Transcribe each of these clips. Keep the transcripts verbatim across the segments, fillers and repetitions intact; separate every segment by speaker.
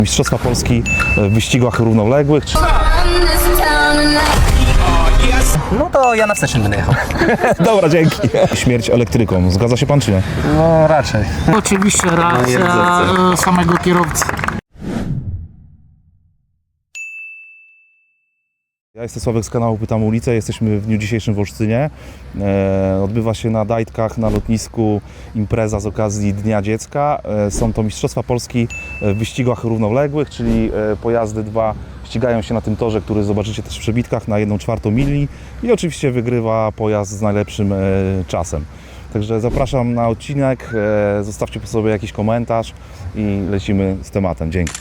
Speaker 1: Mistrzostwa Polski w wyścigach równoległych.
Speaker 2: No to ja na wstecznym będę jechał.
Speaker 1: Dobra, dzięki. Śmierć elektryką. Zgadza się pan czy nie?
Speaker 2: No raczej.
Speaker 3: Oczywiście racja e, samego kierowcy.
Speaker 1: Ja jestem Sławek z kanału Pytam Ulicę, jesteśmy w dniu dzisiejszym w Olsztynie. E, odbywa się na Dajtkach, na lotnisku impreza z okazji Dnia Dziecka. E, są to Mistrzostwa Polski w wyścigach równoległych, czyli e, pojazdy dwa ścigają się na tym torze, który zobaczycie też w przebitkach na jedną czwartą mili i oczywiście wygrywa pojazd z najlepszym e, czasem. Także zapraszam na odcinek, e, zostawcie po sobie jakiś komentarz i lecimy z tematem. Dzięki.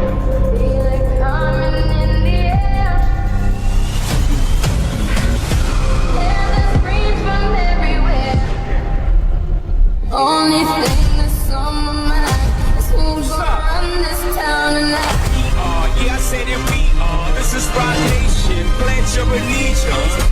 Speaker 4: Only thing that's on my mind is who's gonna run this town tonight.
Speaker 5: Yeah, I said that we are. This is Rock Nation. Pledge your allegiance.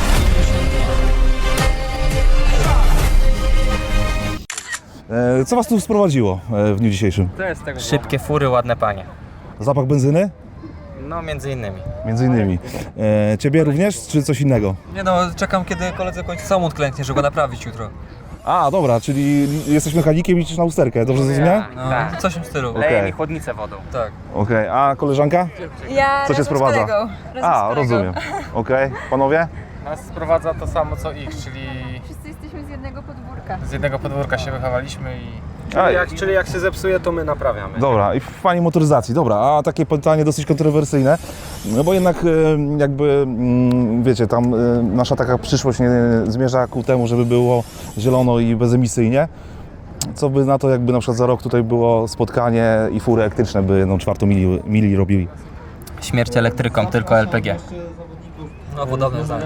Speaker 1: E, co was tu sprowadziło e, w dniu dzisiejszym?
Speaker 2: Szybkie fury, ładne panie.
Speaker 1: Zapach benzyny?
Speaker 2: No między innymi.
Speaker 1: Między innymi. E, ciebie również, czy coś innego?
Speaker 6: Nie no, czekam kiedy koledze kończy samochód klęknie, żeby go naprawić jutro.
Speaker 1: A, dobra, czyli jesteś mechanikiem i liczysz na usterkę, dobrze zrozumiałem?
Speaker 6: No,
Speaker 2: Tak.
Speaker 6: coś w tym stylu.
Speaker 1: Okej.
Speaker 2: Leje mi chłodnicę wodą.
Speaker 6: Tak.
Speaker 1: Okej, a koleżanka?
Speaker 7: Ja
Speaker 1: Co cię
Speaker 7: razem
Speaker 1: sprowadza?
Speaker 7: z kolegą. Razem
Speaker 1: A,
Speaker 7: z kolegą.
Speaker 1: rozumiem. Okej, panowie?
Speaker 8: Nas sprowadza to samo co ich, czyli
Speaker 7: Wszyscy jesteśmy z jednego podwórka.
Speaker 8: z jednego podwórka się wychowaliśmy i
Speaker 1: A,
Speaker 9: Jak, czyli jak się zepsuje, to my naprawiamy.
Speaker 1: dobra, i fajnie motoryzacji, dobra, a takie pytanie dosyć kontrowersyjne, no bo jednak e, jakby, mm, wiecie, tam e, nasza taka przyszłość nie zmierza ku temu, żeby było zielono i bezemisyjnie. Co by na to, jakby na przykład za rok tutaj było spotkanie i fury elektryczne by jedną czwartą mili, mili robili?
Speaker 2: Śmierć elektryką, tylko L P G.
Speaker 6: No podobne zdanie.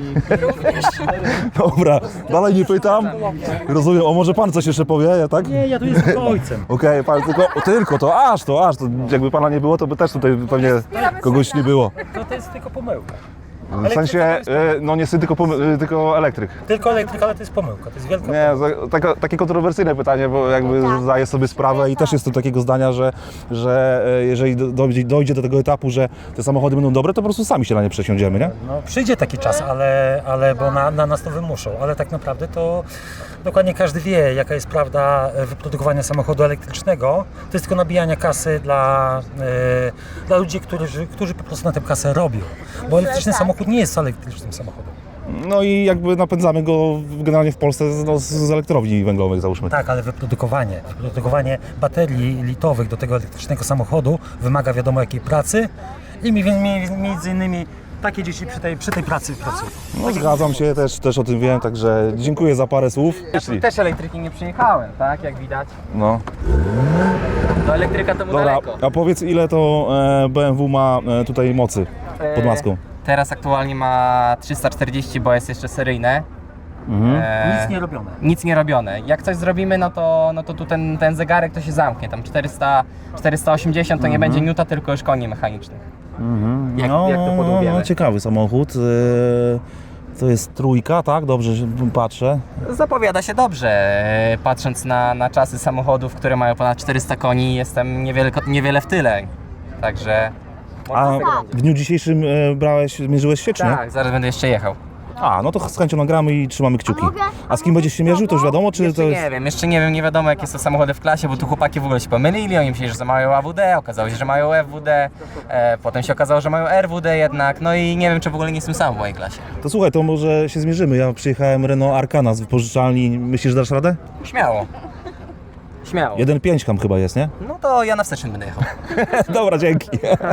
Speaker 1: Dobra, dalej nie pytam. Rozumiem, o może pan coś jeszcze powie, ja tak?
Speaker 3: Nie, ja tu jestem ojcem.
Speaker 1: Okej, pan tylko, o, tylko to, aż to, aż to, jakby pana nie było, to by też tutaj pewnie kogoś nie było.
Speaker 3: To, to jest tylko pomyłka.
Speaker 1: W sensie, e, no nie tylko, pomy- e, tylko elektryk.
Speaker 3: Tylko elektryka, ale to jest pomyłka. To jest wielka
Speaker 1: Nie, za- taka, takie kontrowersyjne pytanie, bo jakby zdaję sobie sprawę i też jestem takiego zdania, że, że e, jeżeli do- dojdzie, dojdzie do tego etapu, że te samochody będą dobre, to po prostu sami się na nie przesiądziemy, nie?
Speaker 3: No, przyjdzie taki czas, ale, ale bo na, na nas to wymuszą, ale tak naprawdę to dokładnie każdy wie, jaka jest prawda wyprodukowania samochodu elektrycznego. To jest tylko nabijanie kasy dla, e, dla ludzi, którzy, którzy po prostu na tę kasę robią. Bo elektryczny samochód nie jest elektrycznym samochodem.
Speaker 1: No i jakby napędzamy go generalnie w Polsce z, no, z elektrowni węglowych, załóżmy.
Speaker 3: Tak, ale wyprodukowanie, wyprodukowanie baterii litowych do tego elektrycznego samochodu wymaga wiadomo jakiej pracy i mi- mi- między innymi takie dzieci przy tej, przy tej pracy pracują.
Speaker 1: No zgadzam się, też, też o tym wiem, także dziękuję za parę słów.
Speaker 2: Ja też elektryki nie przyjechałem, tak? Jak widać.
Speaker 1: No.
Speaker 2: Do elektryka to mu
Speaker 1: Dobra,
Speaker 2: daleko.
Speaker 1: a powiedz ile to e, B M W ma e, tutaj mocy pod maską?
Speaker 2: Teraz aktualnie ma trzysta czterdzieści, bo jest jeszcze seryjne. E,
Speaker 3: Nic nie robione.
Speaker 2: nic nie robione. Jak coś zrobimy, no to, no to tu ten, ten zegarek to się zamknie. Tam czterysta, czterysta osiemdziesiąt to nie będzie niuta, tylko już koni mechanicznych. Jak,
Speaker 1: no,
Speaker 2: jak to
Speaker 1: no,
Speaker 2: podłubiemy.
Speaker 1: no, ciekawy samochód. E, to jest trójka, tak? Dobrze że patrzę.
Speaker 2: Zapowiada się dobrze. E, Patrząc na, na czasy samochodów, które mają ponad czterysta koni, jestem niewiele, niewiele w tyle. Także...
Speaker 1: A w dniu dzisiejszym e, brałeś, mierzyłeś się, czy nie?
Speaker 2: Tak, zaraz będę jeszcze jechał.
Speaker 1: A, no to z chęcią nagramy i trzymamy kciuki. A z kim będziesz się mierzył, to już wiadomo, czy to
Speaker 2: Jeszcze
Speaker 1: jest...
Speaker 2: nie wiem, jeszcze nie wiem, nie wiadomo jakie są samochody w klasie, bo tu chłopaki w ogóle się pomylili, oni myśleli, że mają A W D, okazało się, że mają F W D, e, potem się okazało, że mają R W D jednak, no i nie wiem, czy w ogóle nie jestem sam w mojej klasie.
Speaker 1: To słuchaj, to może się zmierzymy. Ja przyjechałem Renault Arkana z wypożyczalni. Myślisz, że dasz radę?
Speaker 2: Śmiało. Śmiało.
Speaker 1: jeden pięć tam chyba jest, nie?
Speaker 2: No to ja na wstecznym będę jechał.
Speaker 1: Dobra, dzięki.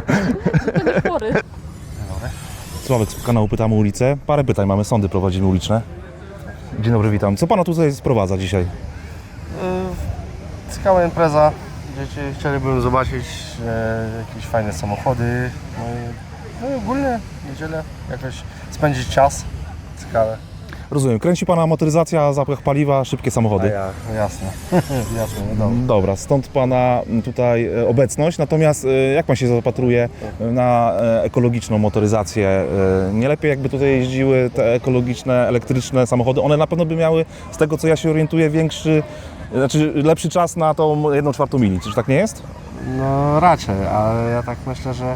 Speaker 1: Sławek z kanału Pytamy Ulicę. Parę pytań mamy, sądy prowadzimy uliczne. Dzień dobry, witam. Co pana tutaj sprowadza dzisiaj?
Speaker 9: Ciekawa impreza. Dzieci chcieliby zobaczyć e, jakieś fajne samochody. No i, no i ogólnie niedzielę jakoś spędzić czas. Ciekawe.
Speaker 1: Rozumiem, kręci pana motoryzacja, zapach paliwa, szybkie
Speaker 9: A
Speaker 1: samochody.
Speaker 9: ja, no jasne. jasne, no dobra.
Speaker 1: Dobra, stąd pana tutaj e, obecność. Natomiast e, jak pan się zapatruje na e, ekologiczną motoryzację? E, Nie lepiej jakby tutaj jeździły te ekologiczne, elektryczne samochody? One na pewno by miały, z tego co ja się orientuję, większy, znaczy lepszy czas na tą jedną czwartą mili. Czyż tak nie jest?
Speaker 9: No raczej, ale ja tak myślę, że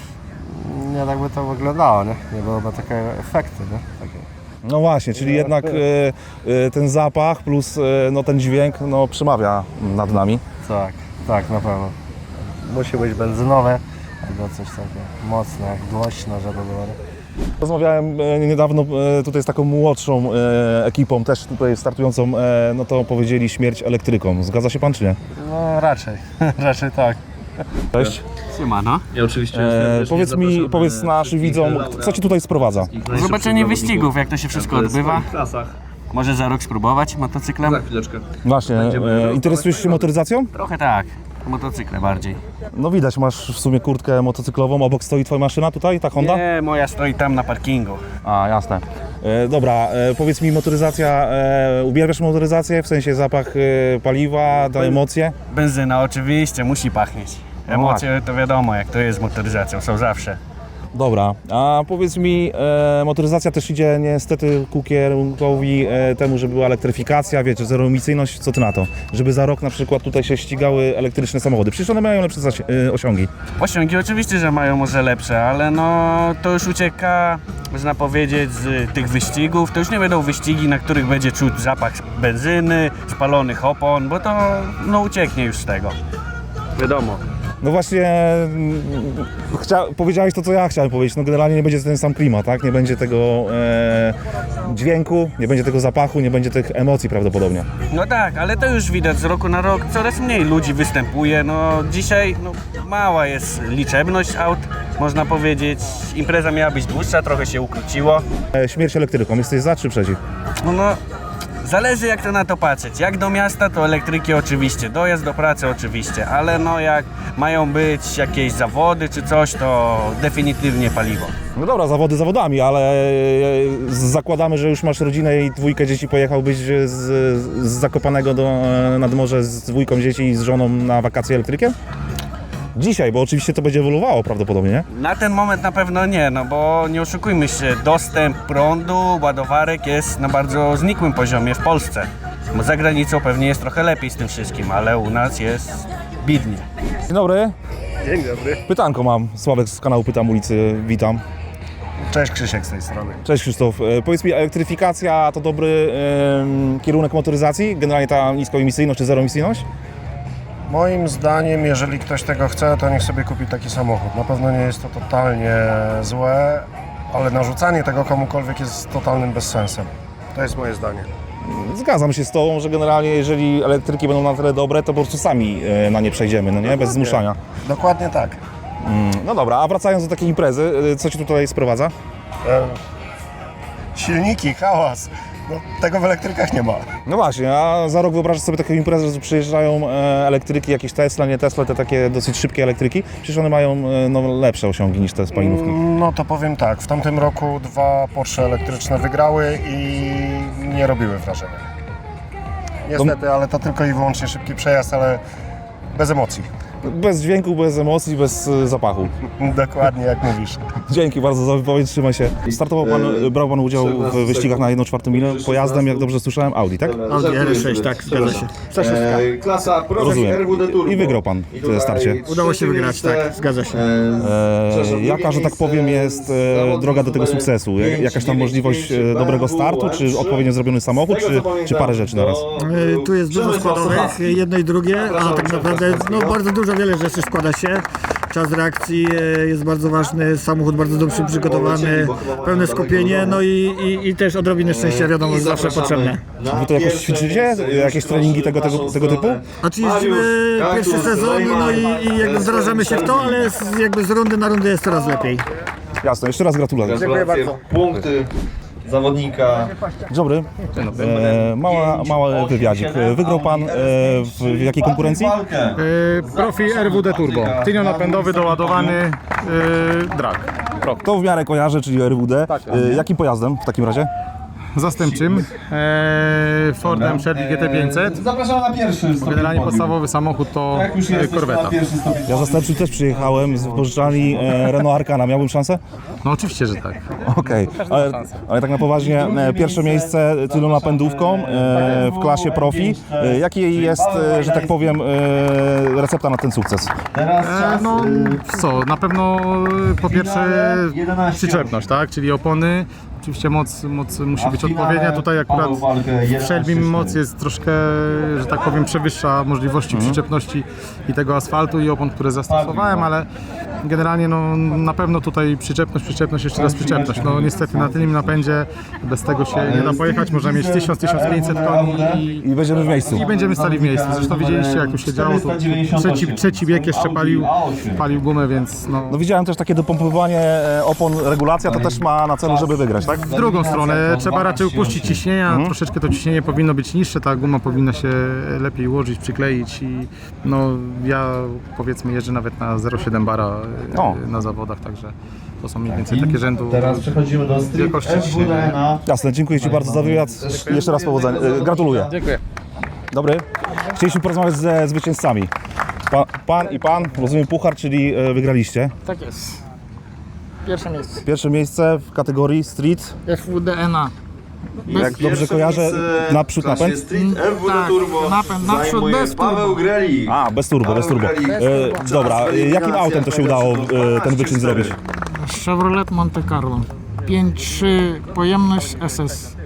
Speaker 9: nie tak by to wyglądało, nie? Nie byłoby takie efekty, nie? Takie.
Speaker 1: No właśnie, czyli jednak e, e, ten zapach plus e, no, ten dźwięk no, przemawia nad nami.
Speaker 9: Tak, tak, na pewno. Musi być benzynowe albo coś takiego mocne, głośno, żeby było.
Speaker 1: Rozmawiałem e, niedawno e, tutaj z taką młodszą e, ekipą, też tutaj startującą, e, no to powiedzieli śmierć elektryką. Zgadza się pan czy nie?
Speaker 9: No raczej, raczej tak.
Speaker 1: Cześć.
Speaker 2: Siemano.
Speaker 10: Ja oczywiście
Speaker 1: E, powiedz mi, powiedz naszym widzom, co ci tutaj sprowadza?
Speaker 2: Zobaczenie wyścigów, jak to się wszystko odbywa. Może za rok spróbować motocyklem?
Speaker 10: Za chwileczkę.
Speaker 1: Właśnie, e, interesujesz się motoryzacją?
Speaker 2: Trochę tak. Motocykle bardziej.
Speaker 1: No widać, masz w sumie kurtkę motocyklową, obok stoi twoja maszyna tutaj, ta Honda?
Speaker 2: Nie, moja stoi tam na parkingu.
Speaker 1: A, jasne. E, dobra, e, powiedz mi, motoryzacja, e, uwielbiasz motoryzację, w sensie zapach e, paliwa, da emocje?
Speaker 2: Benzyna oczywiście, musi pachnieć. Emocje to wiadomo, jak to jest z motoryzacją, są zawsze.
Speaker 1: Dobra, a powiedz mi, e, motoryzacja też idzie niestety ku kierunkowi e, temu, żeby była elektryfikacja, wiecie, zeroemisyjność, co ty na to? Żeby za rok na przykład tutaj się ścigały elektryczne samochody, przecież one mają lepsze zasi- e, osiągi.
Speaker 2: Osiągi oczywiście, że mają może lepsze, ale no to już ucieka, można powiedzieć, z tych wyścigów. To już nie będą wyścigi, na których będzie czuć zapach benzyny, spalonych opon, bo to no ucieknie już z tego. Wiadomo.
Speaker 1: No właśnie, mm, chcia- powiedziałeś to, co ja chciałem powiedzieć, no generalnie nie będzie ten sam klimat, tak? Nie będzie tego e, dźwięku, nie będzie tego zapachu, nie będzie tych emocji prawdopodobnie.
Speaker 2: No tak, ale to już widać z roku na rok, coraz mniej ludzi występuje. No dzisiaj no, mała jest liczebność aut, można powiedzieć. Impreza miała być dłuższa, trochę się ukróciło.
Speaker 1: E, śmierć elektryką, jesteś za czy przeciw?
Speaker 2: No, no zależy jak to na to patrzeć. Jak do miasta to elektryki oczywiście, dojazd do pracy oczywiście, ale no jak mają być jakieś zawody czy coś, to definitywnie paliwo.
Speaker 1: No dobra, zawody zawodami, ale e, zakładamy, że już masz rodzinę i dwójkę dzieci, pojechałbyś z, z Zakopanego do, nad morze z dwójką dzieci i z żoną na wakacje elektrykiem? Dzisiaj, bo oczywiście to będzie ewoluowało prawdopodobnie, nie?
Speaker 2: Na ten moment na pewno nie, no bo nie oszukujmy się, dostęp prądu, ładowarek jest na bardzo znikłym poziomie w Polsce. Bo za granicą pewnie jest trochę lepiej z tym wszystkim, ale u nas jest bidnie.
Speaker 1: Dzień dobry.
Speaker 9: Dzień dobry.
Speaker 1: Pytanko mam, Sławek z kanału Pytam Ulicy, witam.
Speaker 9: Cześć, Krzysiek z tej strony.
Speaker 1: Cześć Krzysztof. E, powiedz mi, elektryfikacja to dobry e, kierunek motoryzacji? Generalnie ta niskoemisyjność czy zeroemisyjność?
Speaker 9: Moim zdaniem, jeżeli ktoś tego chce, to niech sobie kupi taki samochód. Na pewno nie jest to totalnie złe, ale narzucanie tego komukolwiek jest totalnym bezsensem. To jest moje zdanie.
Speaker 1: Zgadzam się z tobą, że generalnie jeżeli elektryki będą na tyle dobre, to po prostu sami e, na nie przejdziemy, no nie? Bez zmuszania.
Speaker 9: Dokładnie tak.
Speaker 1: Mm, no dobra, a wracając do takiej imprezy, e, co ci tutaj sprowadza?
Speaker 9: E, silniki, hałas. No, tego w elektrykach nie ma.
Speaker 1: No właśnie, a za rok wyobrażasz sobie taką imprezę, że przyjeżdżają e, elektryki, jakieś Tesla, nie Tesla, te takie dosyć szybkie elektryki. Przecież one mają e, no, lepsze osiągi niż te spalinówki.
Speaker 9: No to powiem tak, w tamtym roku dwa Porsche elektryczne wygrały i nie robiły wrażenia. Niestety, ale to tylko i wyłącznie szybki przejazd, ale bez emocji.
Speaker 1: Bez dźwięku, bez emocji, bez e, zapachu.
Speaker 9: Dokładnie jak mówisz.
Speaker 1: Dzięki bardzo za wypowiedź, trzymaj się. Startował pan, brał pan udział w wyścigach na jedną czwartą milę pojazdem, jak dobrze słyszałem, Audi, tak?
Speaker 3: Audi R sześć, tak, zgadza się.
Speaker 10: E, klasa Pro
Speaker 1: Rozumiem.
Speaker 10: R W D Turbo.
Speaker 1: I wygrał pan w starcie.
Speaker 3: Udało się wygrać, tak, zgadza się.
Speaker 1: E, jaka, że tak powiem, jest e, droga do tego sukcesu? Jak, jakaś tam możliwość e, dobrego startu, czy odpowiednio zrobiony samochód, czy, czy parę rzeczy naraz?
Speaker 3: E, Tu jest dużo składowych, jedno i drugie, a tak naprawdę no, bardzo dużo, wiele rzeczy składa się. Czas reakcji e, jest bardzo ważny, samochód bardzo dobrze przygotowany, pełne skupienie, no i, i, i też odrobinę szczęścia, wiadomo, jest zawsze potrzebne.
Speaker 1: Wy to jakoś ćwiczycie? Jakieś treningi tego, tego, tego typu?
Speaker 3: A czy jeździmy pierwszy sezon, no i, i jakby wdrażamy się w to, ale z, jakby z rundy na rundę jest coraz lepiej.
Speaker 1: Jasne, jeszcze raz gratuluję.
Speaker 10: Dziękuję bardzo. Punkty zawodnika.
Speaker 1: Dzień dobry. E, mała, mały wywiadzik. Wygrał pan e, w, w jakiej konkurencji?
Speaker 8: Profi R W D Turbo. Tylnionapędowy, doładowany yy, drag.
Speaker 1: To w miarę kojarzę, czyli R W D. E, jakim pojazdem w takim razie?
Speaker 8: zastępczym e, Fordem Shelby G T pięćset.
Speaker 10: Zapraszamy na pierwszy stopień
Speaker 8: Generalnie
Speaker 10: podium.
Speaker 8: podstawowy samochód to
Speaker 10: Jak już
Speaker 8: e,
Speaker 10: jesteśmy na
Speaker 8: korweta.
Speaker 10: pierwszy stopień
Speaker 1: Ja zastępczym też przyjechałem z wypożyczalni e, Renault Arkana. Miałbym szansę?
Speaker 8: No oczywiście, że tak.
Speaker 1: Okej, ale, ale tak na poważnie, e, pierwsze miejsce tylną napędówką e, w klasie profi. E, Jaki jest, e, że tak powiem, e, recepta na ten sukces?
Speaker 10: Teraz
Speaker 8: E,
Speaker 10: czas,
Speaker 8: no
Speaker 10: y,
Speaker 8: co, na pewno e, po pierwsze
Speaker 10: jedenaście
Speaker 8: przyczepność, tak? Czyli opony. Oczywiście moc, moc musi
Speaker 10: A w
Speaker 8: być
Speaker 10: finale
Speaker 8: odpowiednia. Tutaj akurat
Speaker 10: Paweł Walkę
Speaker 8: w
Speaker 10: jedenaście
Speaker 8: Shelbym moc
Speaker 10: cztery.
Speaker 8: jest troszkę, że tak powiem, przewyższa możliwości przyczepności i tego asfaltu i opon, które zastosowałem, ale generalnie no, na pewno tutaj przyczepność, przyczepność, jeszcze raz przyczepność. No niestety na tylnym napędzie bez tego się nie da pojechać. Można mieć tysiąc do tysiąca pięciuset koni i,
Speaker 1: I będziemy w miejscu.
Speaker 8: i będziemy stali w miejscu. Zresztą widzieliście, jak tu się działo. Tu trzeci, trzeci bieg jeszcze palił, palił gumę, więc no,
Speaker 1: No widziałem też takie dopompowywanie e, opon, regulacja, to też ma na celu, żeby wygrać, tak?
Speaker 8: w drugą stronę trzeba raczej upuścić ciśnienia, troszeczkę to ciśnienie powinno być niższe, ta guma powinna się lepiej ułożyć, przykleić i no ja powiedzmy jeżdżę nawet na zero przecinek siedem bara e,
Speaker 1: O.
Speaker 8: na zawodach, także to są mniej więcej takie rzędu.
Speaker 10: Teraz przechodzimy do Street
Speaker 8: Wielkości
Speaker 10: F W D na
Speaker 1: Jasne, dziękuję Ci bardzo za wywiad. Jeszcze raz powodzenia. E, Gratuluję.
Speaker 8: Dziękuję.
Speaker 1: Dobry. Chcieliśmy porozmawiać ze zwycięzcami. Pan, pan i pan, rozumiem puchar, czyli e, wygraliście.
Speaker 11: Tak jest. Pierwsze miejsce.
Speaker 1: Pierwsze miejsce w kategorii street,
Speaker 11: F W D N A.
Speaker 1: jak dobrze kojarzę, naprzód napęd.
Speaker 10: Street F W D
Speaker 11: Tak,
Speaker 10: Turbo
Speaker 11: napęd, naprzód
Speaker 10: zajmuje
Speaker 11: bez turbo.
Speaker 10: Paweł Grelik.
Speaker 1: A, bez turbo, bez turbo. E, dobra, e, jakim autem to się udało e, ten wyczyn zrobić?
Speaker 11: Chevrolet Monte Carlo. pięć trzy pojemność S S.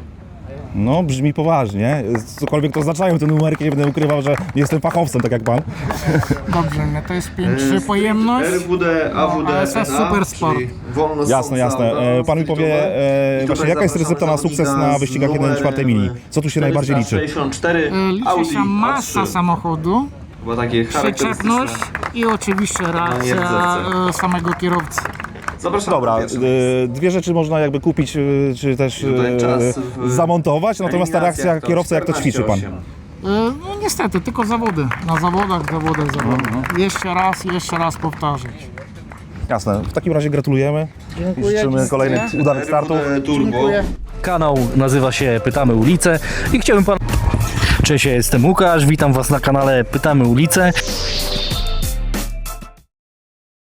Speaker 1: No, brzmi poważnie. Cokolwiek to oznaczają te numerki, nie będę ukrywał, że nie jestem fachowcem, tak jak pan.
Speaker 11: Dobrze, no to jest pięć trzy pojemność.
Speaker 10: R W D, A W D,
Speaker 11: A S S
Speaker 10: N A,
Speaker 11: Super Sport.
Speaker 10: czyli wolno
Speaker 1: Jasne, jasne. E, pan mi powie e, właśnie, jaka jest recepta na sukces na wyścigach jeden czwartej mili? Co tu się najbardziej liczy?
Speaker 10: sześćdziesiąt cztery
Speaker 11: E, Liczy
Speaker 10: Audi
Speaker 11: się masa
Speaker 10: A trzy.
Speaker 11: samochodu,
Speaker 10: Chyba takie
Speaker 11: przyczepność
Speaker 10: charakterystyczne.
Speaker 11: i oczywiście reakcja
Speaker 10: jezdecę.
Speaker 11: e, samego kierowcy.
Speaker 10: Zapraszamy
Speaker 1: Dobra,
Speaker 10: na pierwsze
Speaker 1: e,
Speaker 10: miejsce.
Speaker 1: dwie rzeczy można jakby kupić, e, czy też
Speaker 10: Tutaj
Speaker 1: e,
Speaker 10: czas w
Speaker 1: zamontować, natomiast ta reakcja
Speaker 10: eliminacjach to
Speaker 1: kierowcy, jak to ćwiczy pan?
Speaker 10: czternaście osiem.
Speaker 11: E, No niestety, tylko zawody. Na zawodach, zawodach, zawodach. Jeszcze raz, jeszcze raz powtarzać.
Speaker 1: Jasne, w takim razie gratulujemy.
Speaker 11: Dziękuję.
Speaker 1: I życzymy kolejnych udanych startów.
Speaker 10: R W D Turbo.
Speaker 11: Dziękuję.
Speaker 12: Kanał nazywa się Pytamy Ulicę i chciałbym pan... Cześć, ja jestem Łukasz, witam was na kanale Pytamy Ulicę.